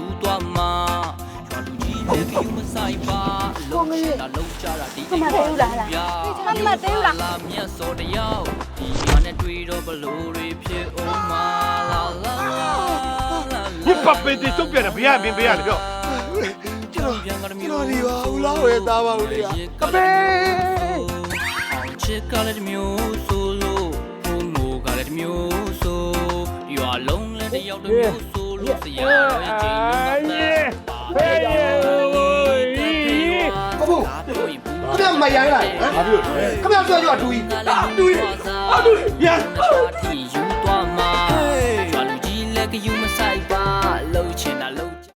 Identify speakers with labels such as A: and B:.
A: သွားမှာရွာလူကြီးလည်းကယူမဆိုင်ပါလုံးချင်တာလုံးကြတာဒီအိမ်မှာလာမြတ်စောတယောက်ဒီရွာနဲ့တွေ့တော့ဘလို့တွေဖြစ်အောင်မလာလာ
B: 你把杯子都变了，别别别了，表。
A: ကျွန်
C: တော်ဒီပါဦးလားဝယ်သားပါဦးလေကပဲ
A: အောင်ချစ်ကလည်းတစ်မျိုးဆိုလို့ဘုံမိုးကလည်းတစ်မျိုးဆိုရွာလုံးလည်းတစ်ယောက်တစ်မျိုးဆိုလို့ဆရာတော်ရဲ့ချိန်လုံးနဲ့
B: 哎呀，
C: ကဘူးခမမရိုင်းလိုက်ဟမ်ခမဆွဲကြတူကြီးတူကြီးတူကြီးရ